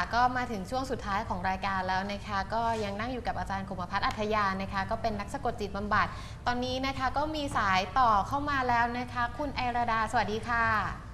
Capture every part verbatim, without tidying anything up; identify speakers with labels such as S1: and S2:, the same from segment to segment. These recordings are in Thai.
S1: ก็มาถึงช่วงสุดท้ายของรายการแล้วนะคะก็ยังนั่งอยู่กับอาจารย์คมภัทรอัธยานะคะก็เป็นนักสะกดจิตบำบัดตอนนี้นะคะก็มีสายต่อเข้ามาแล้วนะคะคุณไอราดาสวัสดีค่ะ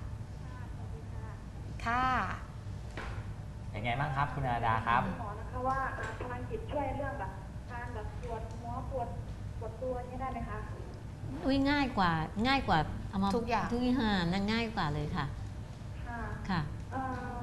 S1: ค่ะ
S2: เป็นไงบ้างครับคุณอาดาครับ
S3: หมอนะคะว่าพลังจิตช่วยเรื่องแบบการแบบปวดหัวปวดปวดตัวนี่ได้ไหมคะ
S4: อุ้ยง่ายกว่าง่ายกว่าเอามา
S1: ทุกอย่าง
S4: ทุกอย่างนั่นง่ายกว่าเลยค่ะ
S3: ค่ะ
S4: ค่ะ
S3: เอ่อ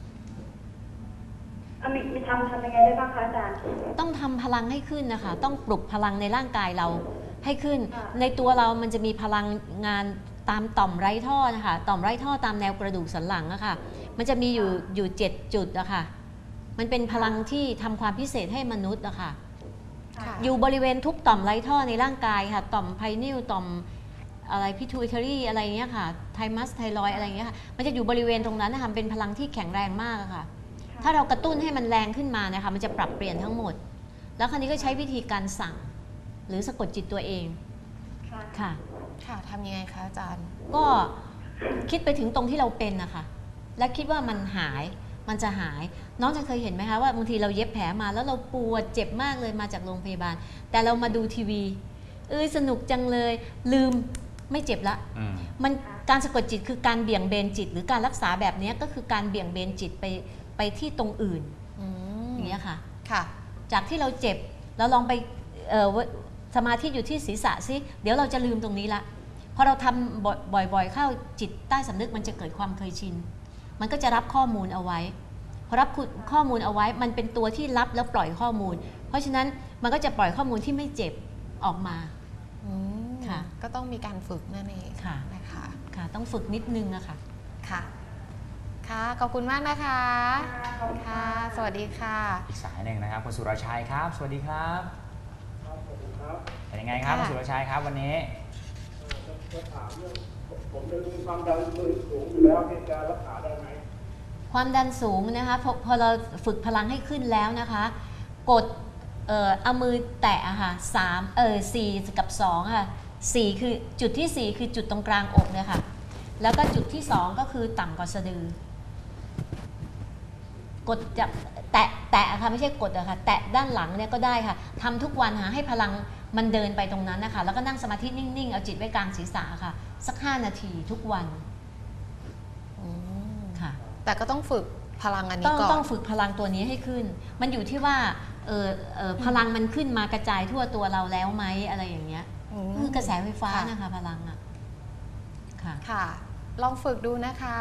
S3: อ่ะมีมีทำทำยังไงได้บ้างคะอาจารย์
S4: ต้องทำพลังให้ขึ้นนะคะต้องปลุกพลังในร่างกายเราให้ขึ้นในตัวเรามันจะมีพลังงานตามต่อมไร้ท่อนะคะต่อมไร้ท่อตามแนวกระดูกสันหลังอะค่ะมันจะมีอยู่อยู่เจ็ดจุดอะค่ะมันเป็นพลังที่ทำความพิเศษให้มนุษย์อะค่ะอยู่บริเวณทุกต่อมไร้ท่อในร่างกายค่ะต่อมไพนิลต่อมอะไรพิทูอิทารีอะไรเงี้ยค่ะไทมัสไทรอยอะไรเงี้ยค่ะมันจะอยู่บริเวณตรงนั้นนะคะเป็นพลังที่แข็งแรงมากอะค่ะถ้าเรากระตุ้นให้มันแรงขึ้นมานะคะมันจะปรับเปลี่ยนทั้งหมดแล้วคราวนี้ก็ใช้วิธีการสั่งหรือสะกดจิตตัวเองค่ะ
S1: ค่ะทำยังไงคะอาจารย์
S4: ก็คิดไปถึงตรงที่เราเป็นนะคะและคิดว่ามันหายมันจะหายน้องจะเคยเห็นไหมคะว่าบางทีเราเย็บแผลมาแล้วเราปวดเจ็บมากเลยมาจากโรงพยาบาลแต่เรามาดูทีวีเอ้ยสนุกจังเลยลืมไม่เจ็บละมันการสะกดจิตคือการเบี่ยงเบนจิตหรือการรักษาแบบนี้ก็คือการเบี่ยงเบนจิตไปไปที่ตรงอื่นอย่างนี้ค่ะ
S1: ค่ะ
S4: จากที่เราเจ็บเราลองไปสมาธิอยู่ที่ศีรษะซิเดี๋ยวเราจะลืมตรงนี้ละพอเราทำบ่อยๆเข้าจิตใต้สำนึกมันจะเกิดความเคยชินมันก็จะรับข้อมูลเอาไว้พอรับข้อมูลเอาไว้มันเป็นตัวที่รับแล้วปล่อยข้อมูลเพราะฉะนั้นมันก็จะปล่อยข้อมูลที่ไม่เจ็บออกมา
S1: ค่ะก็ต้องมีการฝึกนั่นเอง
S4: ค่ะ
S1: นะคะ
S4: ค่ะต้องฝึกนิดนึงอะค่ะ
S1: ค่ะค่ะขอบคุณมากนะคะค่ะสวัสดีค่ะ
S2: อีกสายหนึ่งนะครับคุณสุรชัยครับสวัสดีครับเป็นยังไงครับคุณสุรชัยครับวันนี้
S5: จะถามเรื่องผมจะมีความดันสูงอยู่แล้วที่จะรักษาได้ไหม
S4: ความดันสูงนะคะพอพอเราฝึกพลังให้ขึ้นแล้วนะคะกดเอ่อเอามือแตะค่ะสามเออสี่กับสองค่ะสี่คือจุดที่สี่คือจุดตรงกลางอกเนี่ยค่ะแล้วก็จุดที่สองก็คือต่ำกว่าสะดือกดจับแตะแตะค่ะไม่ใช่กดอะค่ะแตะด้านหลังเนี่ยก็ได้ค่ะทำทุกวันค่ะให้พลังมันเดินไปตรงนั้นนะคะแล้วก็นั่งสมาธินิ่งๆเอาจิตไว้กลางศีรษะค่ะสักห้านาทีทุกวันค่ะ
S1: แต่ก็ต้องฝึกพลังอันนี้ก่อน
S4: ต้องฝึกพลังตัวนี้ให้ขึ้นมันอยู่ที่ว่าเออเออพลังมันขึ้นมากระจายทั่วตัวเราแล้วไหมอะไรอย่างเงี้ยคือกระแสไฟฟ้านะคะพลังอะค่ะ
S1: ค่ะลองฝึกดูนะคะ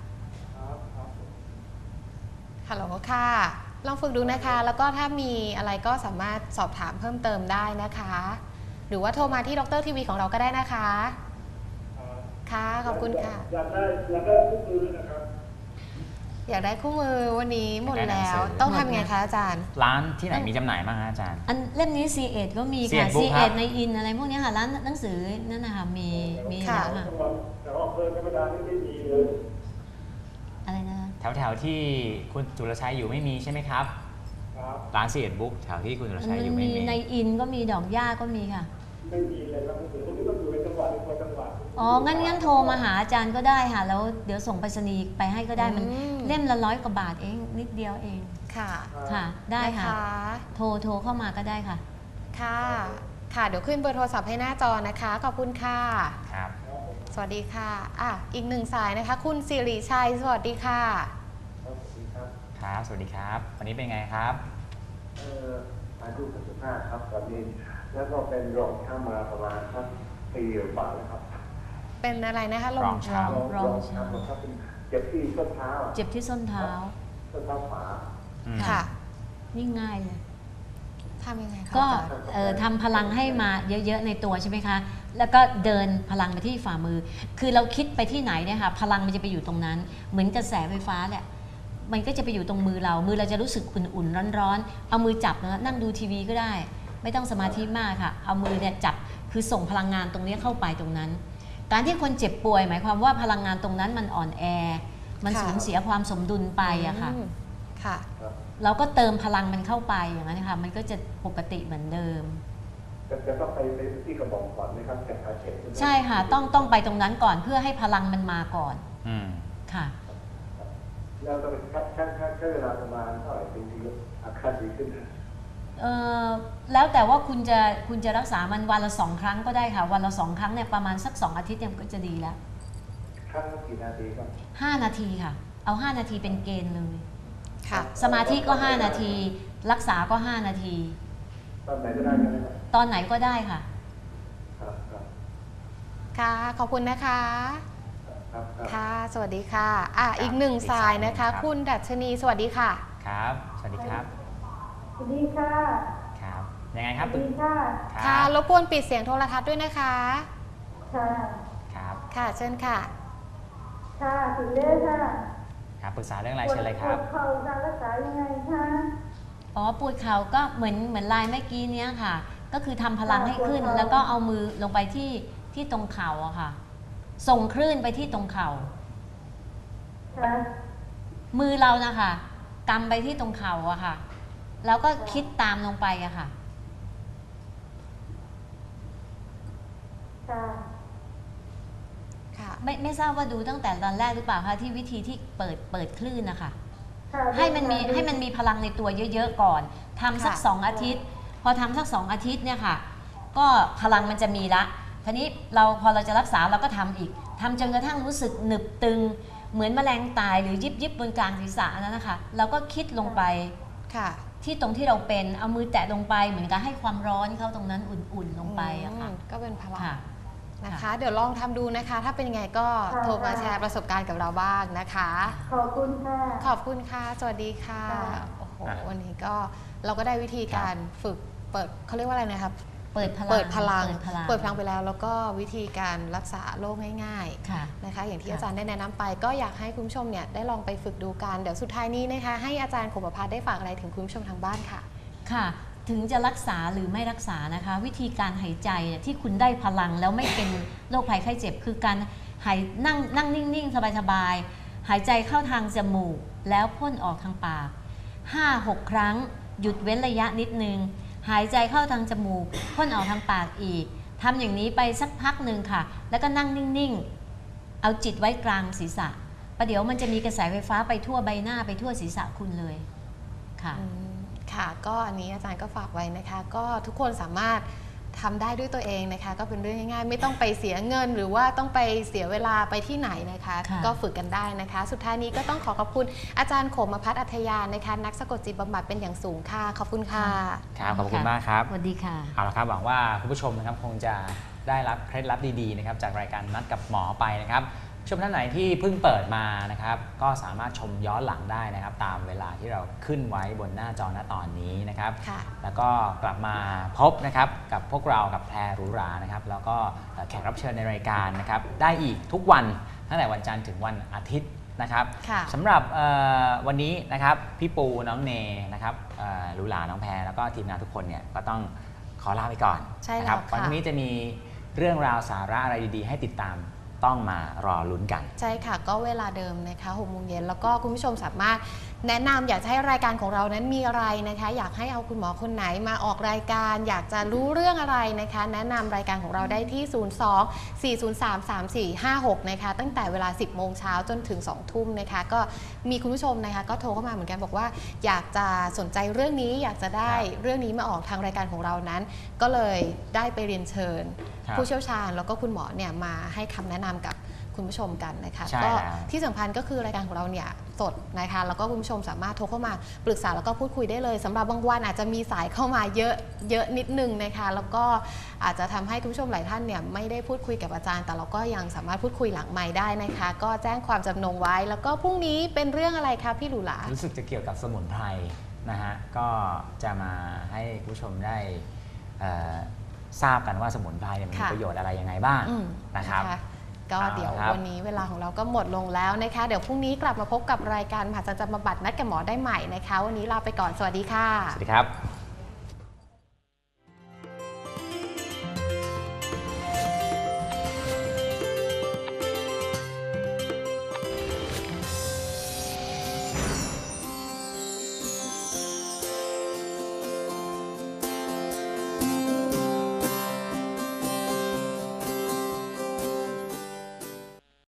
S1: ฮัลโหลค่ะลองฝึกดูนะคะแล้วก็ถ้ามีอะไรก็สามารถสอบถามเพิ่มเติมได้นะคะหรือว่าโทรมาที่ดรทีวีของเราก็ได้นะคะค่ะขอบคุณค่ะ
S5: อยากได้อยากได้คู่มือนะครับ
S1: อยากได้คู่มือวันนี้หมดแล้วต้องทำไงคะอาจารย์
S2: ร้านที่ไหนมีจำหน่ายบ้างคะอาจารย์
S4: อันเล่มนี้ ซี เอ็ด ก็มีค่ะ ซี เอ็ด ในอินอะไรพวกนี้ค่ะร้านหนังสือนั่นนะคะมีมี
S1: ค่ะ
S5: แต่ว่าเพลินธรรมดานี่ไม่มีเลย
S4: อะไรนะ
S2: แถวแถวที่คุณจุลชัยอยู่ไม่มีใช่ไหมครับร้านซีเอ็ดบุ๊กแถวที่คุณจุลชัยอยู่ไม่มี
S4: ในอินก็มีดอกหญ้าก็มีค่ะ
S5: ไม่มีเลยครับหนังสือพวกนี้ต้องอยู่ในจังหวัดในคนจังหวัด
S4: อ๋องั้นงั้นโทรมาหาอาจารย์ก็ได้ค่ะแล้วเดี๋ยวส่งไปรษณีย์ไปให้ก็ได้มันเล่มละร้อยกว่าบาทเองนิดเดียวเอง
S1: ค่ะ
S4: ค่ะได้ค่ะโทรโทรเข้ามาก็ได้ค่ะ
S1: ค่ะค่ะเดี๋ยวขึ้นเบอร์โทรศัพท์ให้หน้าจอนะคะขอบคุณค่ะ
S2: ครับ
S1: สวัสดีค่ะอ่ะอีกหนึ่งสายนะคะคุณสิริชัยสวัสดีค่ะ
S2: ครับสวัสดีครับวันนี้เป็นไงครับ
S5: เอ่ออายุสิบห้าครับตอนนี้แล้วก็เป็นรองช้ำมาประมาณสักปีกว่าแล้วครับ
S1: เป็นอะไรนะคะ
S2: รองช้
S4: ำรองช้
S5: ำครับเจ็บที่ส้นเท้า
S4: เจ็บที่ส้นเท้า
S5: ส้นเท้าขวา
S1: ค่ะ
S4: นี่ง่ายเลย
S1: ทำยังไงคะ
S4: ก็ทำพลังให้มาเยอะๆในตัวใช่ไหมคะแล้วก็เดินพลังไปที่ฝ่ามือคือเราคิดไปที่ไหนเนี่ยค่ะพลังมันจะไปอยู่ตรงนั้นเหมือนกระแสไฟฟ้าแหละมันก็จะไปอยู่ตรงมือเรามือเราจะรู้สึกอุ่นๆร้อนๆเอามือจับนะนั่งดูทีวีก็ได้ไม่ต้องสมาธิมากค่ะเอามือเนี่ยจับคือส่งพลังงานตรงนี้เข้าไปตรงนั้นการที่คนเจ็บป่วยหมายความว่าพลังงานตรงนั้นมันอ่อนแอมันสูญเสียความสมดุลไปอะค่ะ
S1: ค่ะ
S4: เราก็เติมพลังมันเข้าไปอย่างนั้นค่ะมันก็จะปกติเหมือนเดิม
S5: จะต้องไปที่กระบอกก่อนไหมครับแก้ขาเจ็บ
S4: ใช่ค่ะต้องต้องไปตรงนั้นก่อนเพื่อให้พลังมันมาก่อน
S2: อืม
S4: ค่ะ
S5: แล้วก็ใช้ใช้ใช้ใช้เวลาประมาณเท่าไหร่ถึงจะอาการดีขึ้น
S4: เอ่อแล้วแต่ว่าคุณจะคุณจะรักษามันวันละสองครั้งก็ได้ค่ะวันละสองครั้งเนี่ยประมาณสักสองอาทิตย์เนี่ยก็จะดีแล้ว
S5: ครั้งละกี่นาทีครับ
S4: ห้านาทีค่ะเอาห้านาทีเป็นเกณฑ์เลย
S1: ค่ะ
S4: สมาธิก็ห้านาที รักษาก็ห้านาที
S5: ตอนไหนก็ได้ใช่ไหมครับ
S4: ตอนไหนก็ได้ค่ะ
S5: ครับครับ
S1: ค่ะ ขอบคุณนะคะ
S5: ครับครับ
S1: ค่ะ สวัสดีค่ะอ่ะ
S2: ครับ
S1: อีกหนึ่ง
S2: อีก
S1: สา
S2: สาย
S1: ย
S2: หนึ่ง
S1: นะ
S2: ครั
S1: คะ
S2: บ
S1: คุณดัชนีสวัสดีค่ะ
S2: ครับ สวัสดีครับ
S3: สวัสดีค่ะ
S2: ครับ ยังไงค
S3: ส
S2: รับ
S3: วัสดีค่ะ
S2: ครั
S1: ค่ะ
S2: บ
S1: รบกวนปิดเสียงโทรทัศน์ด้วยนะคะ
S3: ค่ะ
S2: ครับ
S1: ค่ะ เชิญค่ะ
S3: ค่ะถึงเลยค่ะ
S2: ครับ ปรึกษาเรื่องอะไร
S3: ปวด
S2: เชิญเลยครับ
S3: ปวดเข่าการรักษายังไงคะ
S4: อ๋อปวดเข่าก็เหมือนเหมือนลายเมื่อกี้เนี้ยค่ะ ก็คือทำพลังให้ขึ้น แล้วก็เอามือลงไปที่ที่ตรงเข่าอะค่ะ ส่งคลื่นไปที่ตรงเข่า
S3: ค่ะ
S4: มือเรานะคะกำไปที่ตรงเข่าอะค่ะ แล้วก็คิดตามลงไปอะค่ะ
S3: ค่ะ
S1: ค่ะ
S4: ไม่ไม่ทราบว่าดูตั้งแต่ตอนแรกหรือเปล่าคะที่วิธีที่เปิดเปิดคลื่นนะคะ
S3: ค่ะ
S4: ให้มันมีให้มันมีพลังในตัวเยอะๆก่อนทำสัก
S1: ค่ะ
S4: สองอาทิตย์ พอทำสักสองอาทิตย์เนี่ยค่ะ ก็พลังมันจะมีละทีนี้เราพอเราจะรักษาเราก็ทำอีกทำจนกระทั่งรู้สึกหนึบตึง เหมือนแมลงตายหรือยิบยิบบนกลางศีรษะนั้นนะคะเราก็คิดลงไป
S1: ค่ะ
S4: ที่ตรงที่เราเป็นเอามือแตะลงไปเหมือนกับให้ความร้อนเข้าตรงนั้นอุ่นๆลงไปอะค่ะ
S1: อืมก็เป็นพลัง
S4: ค่ะ
S1: นะคะ
S4: ค่ะ
S1: เดี๋ยวลองทำดูนะคะ ถ้าเป็นยังไงก็โทรมาแชร์ประสบการณ์กับเราบ้างนะคะ
S3: ขอบคุณค่ะ
S1: ขอบคุณค่ะ สวัสดีค่ะ
S3: ค่ะ
S1: โอ้โห
S2: อ่ะ
S1: วันนี้ก็เราก็ได้วิธีการฝึกเปิดเขาเรียกว่าอะไรนะครับ
S4: เปิดพลัง
S1: เปิดพลัง
S4: เปิดพลัง
S1: เปิดพลังไปแล้ว แล้วก็วิธีการรักษาโรคง่าย
S4: ค่ะ
S1: ๆนะคะ อย่างที่
S4: ค่ะ
S1: อาจารย์ได้แนะนำไป ก็อยากให้คุณผู้ชมเนี่ยได้ลองไปฝึกดูกัน เดี๋ยวสุดท้ายนี้นะคะ ให้อาจารย์ขมประภาสได้ฝากอะไรถึงคุณผู้ชมทางบ้านค่ะ
S4: ค่ะ ถึงจะรักษาหรือไม่รักษานะคะ วิธีการหายใจเนี่ยที่คุณได้พลังแล้วไม่เป็นโรคภัยไข้เจ็บ คือการหายนั่งนั่งนิ่งๆ สบายๆ หายใจเข้าทางจมูก แล้วพ่นออกทางปาก ห้าหก ครั้ง หยุดเว้นระยะนิดนึง หายใจเข้าทางจมูกพ่นออกทางปากอีกทำอย่างนี้ไปสักพักหนึ่งค่ะ แล้วก็นั่งนิ่งๆ เอาจิตไว้กลางศีรษะประเดี๋ยวมันจะมีกระแสไฟฟ้าไปทั่วใบหน้าไปทั่วศีรษะคุณเลยค่ะ
S1: อืมค่ะ ก็อันนี้อาจารย์ก็ฝากไว้นะคะ ก็ทุกคนสามารถทำได้ด้วยตัวเองนะคะ ก็เป็นเรื่องง่ายๆ ไม่ต้องไปเสียเงิน หรือว่าต้องไปเสียเวลาไปที่ไหนนะคะ
S4: ค่ะ
S1: ก็ฝึกกันได้นะคะ สุดท้ายนี้ก็ต้องขอขอบคุณอาจารย์โขมพัฒน์อัธยานะคะ นักสะกดจิตบำบัดเป็นอย่างสูงค่ะ ขอบคุณค่ะ
S2: ครับ ขอบคุณมากครับ
S4: สวัสดีค่ะ
S2: เอาละครับหวังว่าคุณผู้ชมนะครับคงจะได้รับเคล็ดลับดีๆนะครับจากรายการนัดกับหมอไปนะครับผู้ชมท่านไหนที่เพิ่งเปิดมานะครับก็สามารถชมย้อนหลังได้นะครับตามเวลาที่เราขึ้นไว้บนหน้าจอณตอนนี้นะครับ
S1: ค่ะ
S2: แล้วก็กลับมาพบนะครับกับพวกเรากับแพรหรูหรานะครับแล้วก็แขกรับเชิญในรายการนะครับได้อีกทุกวันตั้งแต่วันจันทร์ถึงวันอาทิตย์นะครับ
S1: ค่ะ
S2: สำหรับเอ่อวันนี้นะครับพี่ปูน้องเนนะครับเอ่อหรูหราน้องแพรแล้วก็ทีมงานทุกคนเนี่ยก็ต้องขอลาไปก่อน
S1: ใช่แล้ว
S2: นะครับ
S1: ค่ะ
S2: วันพรุ่งนี้จะมีเรื่องราวสาระอะไรดีๆ ให้ติดตามต้องมารอลุ้นกัน
S1: ใช่ค่ะ ก็เวลาเดิมนะคะหกโมงเย็นแล้วก็คุณผู้ชมสามารถแนะนำอยากจะให้รายการของเรานั้นมีอะไรนะคะ อยากให้เอาคุณหมอคนไหนมาออกรายการ อยากจะรู้เรื่องอะไรนะคะ แนะนำรายการของเราได้ที่ ศูนย์ สอง สี่ ศูนย์ สาม สาม สี่ ห้า หก นะคะ ตั้งแต่เวลา สิบโมงเช้าจนถึง สองทุ่มนะคะ ก็มีคุณผู้ชมนะคะก็โทรเข้ามาเหมือนกันบอกว่า อยากจะสนใจเรื่องนี้อยากจะได้
S2: ครับ
S1: เรื่องนี้มาออกทางรายการของเรานั้น ก็เลยได้ไปเรียนเชิญ
S2: ครับ
S1: ผู้เชี่ยวชาญแล้วก็คุณหมอเนี่ยมาให้คำแนะนำกับคุณผู้ชมกันนะคะ
S2: ใช่
S1: ก็
S2: แล้ว
S1: ที่สำคัญก็คือรายการของเราเนี่ยสดนะคะแล้วก็คุณผู้ชมสามารถโทรเข้ามาปรึกษาแล้วก็พูดคุยได้เลยสำหรับบางวันอาจจะมีสายเข้ามาเยอะเยอะนิดนึงนะคะแล้วก็อาจจะทำให้คุณผู้ชมหลายท่านเนี่ยไม่ได้พูดคุยกับอาจารย์ แต่เราก็ยังสามารถพูดคุยหลังไมค์ได้นะคะ ก็แจ้งความจำนงไว้ แล้วก็พรุ่งนี้เป็นเรื่องอะไรคะพี่หลูหลา
S2: รู้สึกจะเกี่ยวกับสมุนไพรนะฮะก็จะมาให้คุณผู้ชมได้เอ่อทราบกันว่าสมุนไพรเนี่ยมันมี
S1: ค่ะ
S2: ประโยชน์อะไรยังไงบ้าง
S1: อืม
S2: นะครับ
S1: ก็
S2: เอา
S1: เดี๋ยว
S2: ครับ
S1: วันนี้เวลาของเราก็หมดลงแล้วนะคะ เดี๋ยวพรุ่งนี้กลับมาพบกับรายการมหัศจรรย์บำบัดนัดกับหมอได้ใหม่นะคะ วันนี้ลาไปก่อนสวัสดีค่ะ
S2: สวัสดีครับ